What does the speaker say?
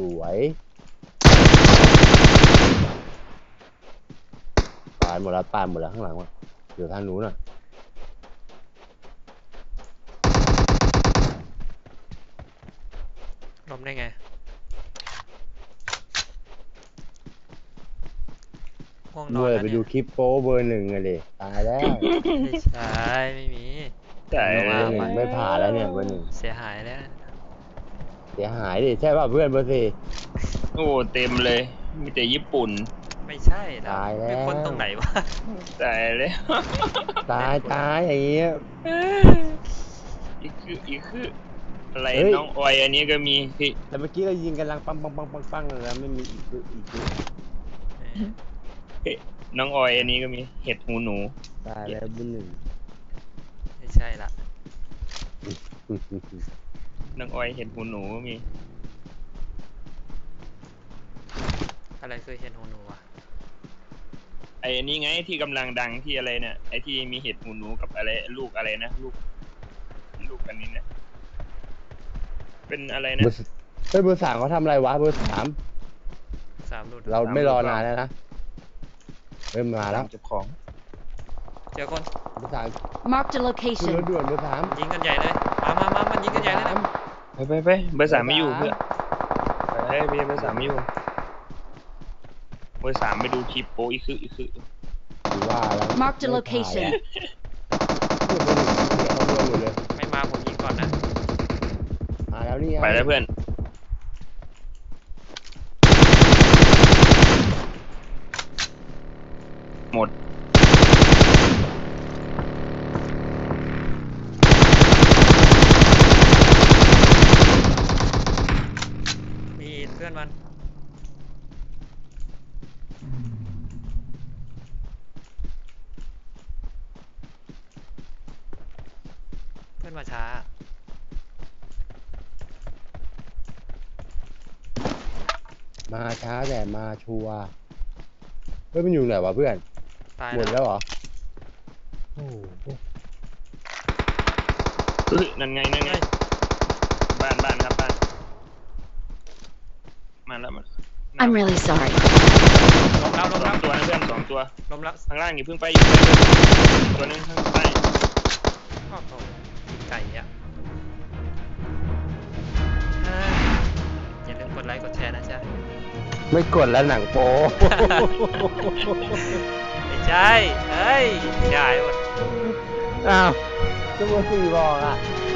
วยตายหมดแล้วข้างหลังว่ะอยู่ทางนู้นน่ะล้มได้ไงง่วงนอด้นวยแล้วไปเนี่ดูยคลิปโป๊เบอร์ 1อะดิตายแล้วไม่ใช่ไม่มีใช่เบอร์ 1ไม่ผ่านแล้วเนี่ยเบอร์ 1 เสียหายแล้วเสียหายดิใช่ป่ะเพื่อนเบอร์ 4 โอ้เต็มเลยมีแต่ญี่ปุ่นไม่ใช่แล้วตายแล้วไม่พ้นตรงไหนวะตายแล้วตายอย่างเงี้ยอีกคืออะไรเฮ้ยน้องออยอันนี้ก็มีพี่แต่เมื่อกี้เรายิงกันลังปังแล้วไม่มีอีกคือน้องออยอันนี้ก็มีเห็ดหูหนูตายแล้วเบอร์ไม่ใช่ละ 1 น้องออยเห็ดหูหนูก็มีอะไรคือเห็นหูหนูวะไอ้อันนี้ไงที่กำลังดังที่อะไรเนี่ยไอ้ที่มีเห็ดหูหนูกับอะไรลูกอะไรนะลูกอันนี้เนี่ยเป็นอะไรนะเฮ้ยเบอร์ 3เขาทำอะไรวะเบอร์ 3 3หลุดเราไม่รอนานแล้วนะเริ่มมาแล้วเจ้าของเจอคนเบอร์ 3 Marked a ขึ้นรถ location. ด่วนเบอร์ 3 ยิงกันใหญ่เลยมามันยิงกันใหญ่เลยนะไปเบอร์สามไม่อยู่เพื่อนไปพี่เบอร์สามไม่อยู่เบอร์สามไปดูคลิปโปอีกคือถือว่าแล้ว Marked a location. ไม่มาผมยิงก่อนนะมาแล้วนี่ไปแล้วเพื่อนหมดมีเพื่อนมันเพื่อนมาช้ามาช้าแต่มาชัวร์เฮ้ยมันอยู่ไหนวะเพื่อนตายหมดแล้วแล้วเหรอโอ้โหนั่นไงบ้านครับบ้านมาแล้วมา I'm really sorry. ล้มแล้วสองตัวนะเพื่อน2 ตัวล้มแล้วข้างล่างอย่าเพิ่งไปอีกตัวนึงข้างใต้โอ้โหไก่อะอย่าลืมกดไลค์กดแชร์นะจ๊ะไม่กดแล้วหนังโป๊ไม่ใช่เฮ้ยใช่หมดอ้าวก็เบอร์ 4บอกอ่ะ